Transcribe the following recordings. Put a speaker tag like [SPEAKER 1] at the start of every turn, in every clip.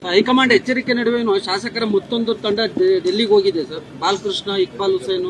[SPEAKER 1] High command ಎಚ್ಚರಿಕೆ ನಡುವೆನೂ ಶಾಸಕರ ಮತ್ತೊಂದು ತಂಡ ಡೆಲ್ಲಿಗೆ ಹೋಗಿದೆ ಸರ್. ಬಾಲಕೃಷ್ಣ, ಇಕ್ಬಾಲ್ ಹುಸೇನ್,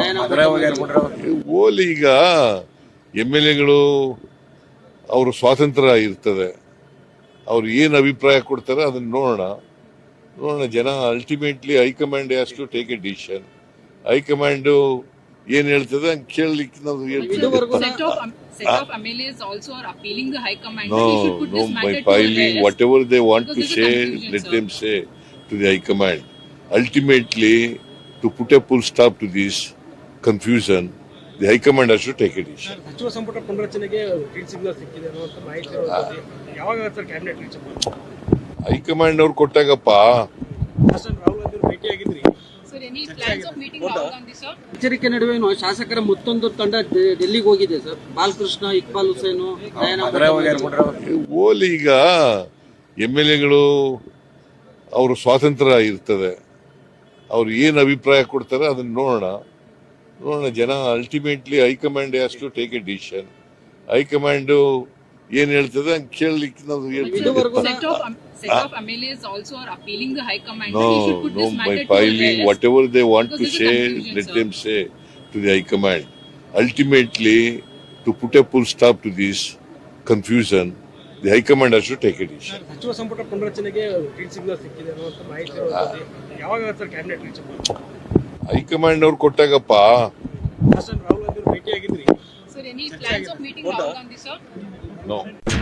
[SPEAKER 2] ಓಲಿ ಈಗ MLA ಅವರು ಸ್ವಾತಂತ್ರ್ಯ ಇರ್ತದೆ, ಅವ್ರು ಏನು ಅಭಿಪ್ರಾಯ ಕೊಡ್ತಾರೆ ಅದನ್ನ ನೋಡೋಣ ಜನ. Ultimately high command has to take a decision. High command ಏನ್ ಹೇಳ್ತದೆ ಹಂಗೆ ಕೇಳಲಿಕ್ಕೆ ನಾವು ಹೇಳ್ತೀವಿ.
[SPEAKER 3] Set of MLAs also are appealing the High Command.
[SPEAKER 2] No, by filing whatever they want to say, let them say to the High Command. Ultimately, to put a full stop to this confusion, the High Command has to take a decision.
[SPEAKER 4] ಸಚಿವ ಸಂಪುಟ ಪುನರಚನೆಗೆ green signal ಸಿಕ್ಕಿದೆ ಅನ್ನುವಂತ ಮಾಹಿತಿ ಇರೋದು. ಯಾವಾಗ sir cabinet reach ಮಾಡ್ತಾರೆ?
[SPEAKER 2] High command ಅವ್ರು ಕೊಟ್ಟಾಗಪ್ಪ.
[SPEAKER 4] ರಾಹುಲ್ ಗಾಂಧಿ ಭೇಟಿಯಾಗಿದ್ರಿ.
[SPEAKER 1] ಎಚ್ಚರಿಕೆ ನಡುವೆನೂ ಶಾಸಕರ ಮತ್ತೊಂದು ತಂಡ ಡೆಲ್ಲಿಗೆ ಹೋಗಿದೆ ಸರ್. ಬಾಲಕೃಷ್ಣ, ಇಕ್ಬಾಲ್ ಹುಸೇನ್,
[SPEAKER 2] ಓಲಿ ಈಗ MLA ಅವರು ಸ್ವಾತಂತ್ರ್ಯ ಇರ್ತದೆ, ಅವ್ರು ಏನು ಅಭಿಪ್ರಾಯ ಕೊಡ್ತಾರೆ ಅದನ್ನ ನೋಡೋಣ ಜನ. Ultimately high command has to take a decision. High command ಏನ್ ಹೇಳ್ತದೆ ಹಂಗೆ ಕೇಳಲಿಕ್ಕೆ ನಾವು ಹೇಳ್ತೀವಿ.
[SPEAKER 3] Set of MLAs also are appealing the High Command.
[SPEAKER 2] No, by filing whatever they want to say, let them say to the High Command. Ultimately, to put a full stop to this confusion, the High Command has to take a decision.
[SPEAKER 4] ಸಚಿವ ಸಂಪುಟ ಪುನರಚನೆಗೆ green signal ಸಿಕ್ಕಿದೆ ಅನ್ನುವಂತ ಮಾಹಿತಿ ಇರೋದು. ಯಾವಾಗ sir cabinet reach ಮಾಡ್ತಾರೆ?
[SPEAKER 2] High command ಅವ್ರು ಕೊಟ್ಟಾಗಪ್ಪ.
[SPEAKER 4] Rahul Gandhi ಭೇಟಿಯಾಗಿದ್ರಿ.
[SPEAKER 3] Sir, any plans of meeting Rahul Gandhi, sir?
[SPEAKER 2] No.